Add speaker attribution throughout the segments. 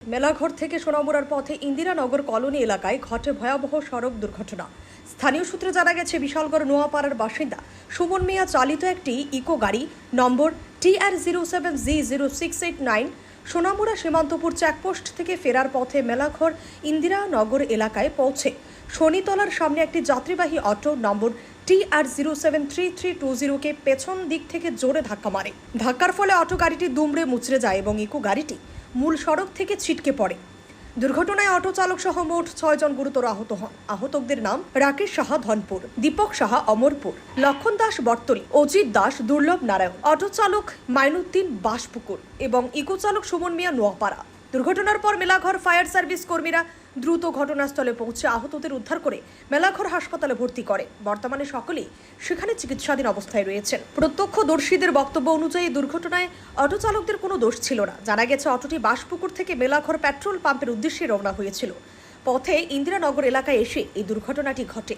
Speaker 1: মেলাঘর থেকে সোনামুড়ার পথে ইন্দিরানগর কলোনি এলাকায় ঘটে ভয়াবহ সড়ক দুর্ঘটনা। স্থানীয় সূত্রে জানা গেছে, বিশালগড় নোয়াপাড়ার বাসিন্দা সুমন মিয়া চালিত একটি ইকো গাড়ি নম্বর TR07G0689 সোনামুড়া সীমান্তপুর চেকপোস্ট থেকে ফেরার পথে মেলাঘর ইন্দিরানগর এলাকায় পৌঁছে শনিতলার সামনে একটি যাত্রীবাহী অটো নম্বর TR073320 কে পেছন দিক থেকে জোরে ধাক্কা মারে। ধাক্কার ফলে অটো গাড়িটি দুমড়ে মুচড়ে যায় এবং ইকো গাড়িটি মূল সড়ক থেকে ছিটকে পড়ে। দুর্ঘটনায় অটো চালক সহ মোট 6 জন গুরুতর আহত হন। আহতদের নাম রাকেশ সাহা ধনপুর, দীপক সাহা অমরপুর, লক্ষণ দাস বর্তলী, অজিত দাস দুর্লভ নারায়ণ, অটো চালক মাইনুদ্দিন বাসপুকুর এবং ইকো চালক সুমন মিয়া নোয়াপাড়া। দুর্ঘটনার পর মেলাঘর ফায়ার সার্ভিস কর্মীরা দ্রুত ঘটনাস্থলে পৌঁছে আহতদের উদ্ধার করে মেলাঘর হাসপাতালে ভর্তি করে। বর্তমানে সকলেই সেখানে চিকিৎসাধীন অবস্থায় রয়েছেন। প্রত্যক্ষদর্শীদের বক্তব্য অনুযায়ী দুর্ঘটনায় অটো চালকদের কোনো দোষ ছিল না। জানা গেছে, অটোটি বাসপুকুর থেকে মেলাঘর পেট্রোল পাম্পের উদ্দেশ্যে রওনা হয়েছিল। পথে ইন্দিরানগর এলাকায় এসে এই দুর্ঘটনাটি ঘটে।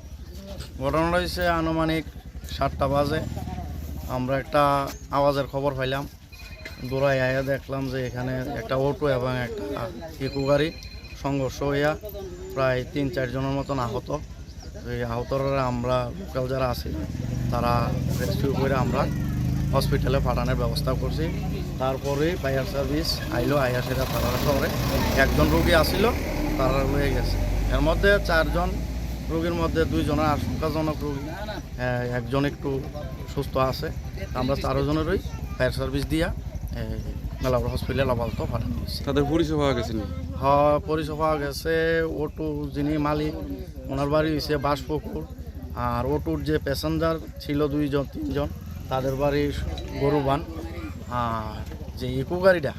Speaker 2: ঘটনাটা হয়েছে আনুমানিক 7টা বাজে। আমরা একটা আওয়াজের খবর পাইলাম, দৌড়াই আয়া দেখলাম যে এখানে একটা অটো এবং একটা ইকো গাড়ি সংঘর্ষ হইয়া প্রায় 3-4 জনের মতন আহত। এই আহতরা আমরা লোকাল যারা আছে তারা রেস্কিউ করে আমরা হসপিটালে পাঠানোর ব্যবস্থা করছি। তারপরে ফায়ার সার্ভিস আইলো, আইয়া সেটা তারা শহরে 1 জন রোগী আসিল, তারা হয়ে গেছে। এর মধ্যে 4 জন রোগীর মধ্যে 2 জনের আশঙ্কাজনক রোগী, 1 জন একটু সুস্থ আছে। আমরা 4 জনেরই ফায়ার সার্ভিস দিয়া মেলাঘর হসপিটাল আপাতত পাঠানো হয়েছে।
Speaker 3: তাদের পরিচয় পাওয়া গেছে?
Speaker 2: হ্যাঁ, পরিচয় পাওয়া গেছে। অটো যিনি মালিক, ওনার বাড়ি হয়েছে বাসপুকুর। আর অটোর যে প্যাসেঞ্জার ছিল 2 জন 3 জন, তাদের বাড়ি গরুবান। আর যে ইকো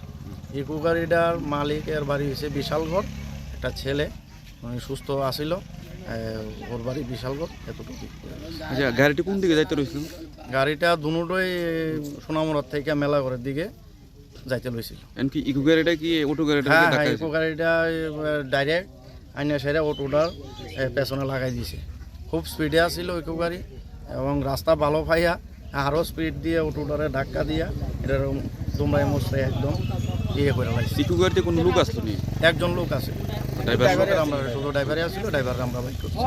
Speaker 2: গাড়িটার মালিকের বাড়ি হয়েছে বিশালগড়। একটা ছেলে উনি সুস্থ আসিল, ওর বাড়ি বিশালগড়। এতটুকু।
Speaker 3: আচ্ছা, গাড়িটি কোন দিকে যাইতে রয়েছিল?
Speaker 2: গাড়িটা দুটোই সোনামুড়ার থেকে মেলাঘরের দিকে যাইতে লইছিল।
Speaker 3: এমনকি ইকো গাড়িটা কি অটো গাড়িটা?
Speaker 2: হ্যাঁ, ইকো গাড়িটা ডাইরেক্ট আইনা সেরে অটোটার পেছনে লাগাই দিয়েছে। খুব স্পিডে আসছিল ইকো গাড়ি এবং রাস্তা ভালো পাইয়া আরও স্পিড দিয়ে অটোটারে ধাক্কা দিয়া এটার দুমড়াই মুচড়ে একদম ইয়ে করে লাগছে।
Speaker 3: ইকো গাড়িতে কোনো লোক আসলো নি?
Speaker 2: 1 জন লোক আছে। ড্রাইভার আমরা শুধু ড্রাইভারে আসছিল, ড্রাইভার আমরা বাইক করছি।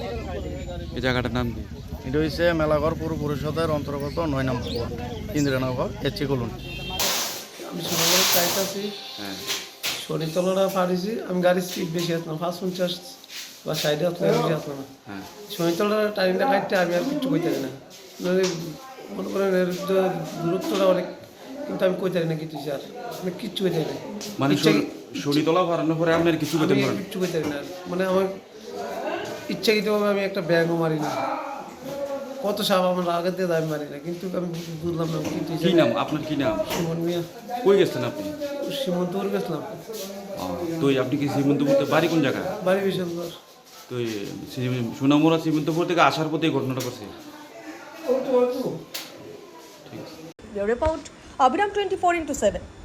Speaker 3: এই জায়গাটার নাম কি?
Speaker 2: এটা হচ্ছে মেলাঘর পৌর পরিষদের অন্তর্গত 9 নম্বর ওয়ার্ড, ইন্দিরানগর এচি কলোনি।
Speaker 4: আমি সোনামুড়ার চাইতেছি,
Speaker 3: হ্যাঁ,
Speaker 4: শনিতলাটা পারিছি। আমি গাড়ির স্পিড বেশি আসলাম, 50 বা 60 আসলাম, বেশি আসলাম না।
Speaker 3: হ্যাঁ,
Speaker 4: শনিতলার টাইমটা কাটতে আমি আর কিছু কইতে পারি না। মনে করেন এর দূরত্বটা অনেক, কিন্তু আমি কইতে পারি না কিছু, স্যার আমি কিচ্ছু কইতে পারি না।
Speaker 3: মানে শরীরতলা বাড়ানোর পরে আপনার কিছু করতে
Speaker 4: আমি
Speaker 3: পারেন?
Speaker 4: কিচ্ছু কইতে পারি না। মানে আমার ইচ্ছাকৃতভাবে আমি একটা ব্যাগও মারি না। কত সাপ আমার আগে দিয়ে আমি মারি না, কিন্তু আমি বুঝলাম না
Speaker 3: কি নাম আপনার? কি নাম?
Speaker 4: সুমন মিয়া।
Speaker 3: কই গেছেন আপনি?
Speaker 4: সীমন্তপুর গেছিলাম।
Speaker 3: তো আপনি কি শ্রীমন্তপুরতে বাড়ি কোন জায়গায়?
Speaker 4: বাড়ি বিশালগড়।
Speaker 3: তো সোনামুড়া শ্রীমন্তপুর থেকে আসার পথে এই ঘটনাটা করছে?
Speaker 1: রিপোর্ট অবিরাম 24x7।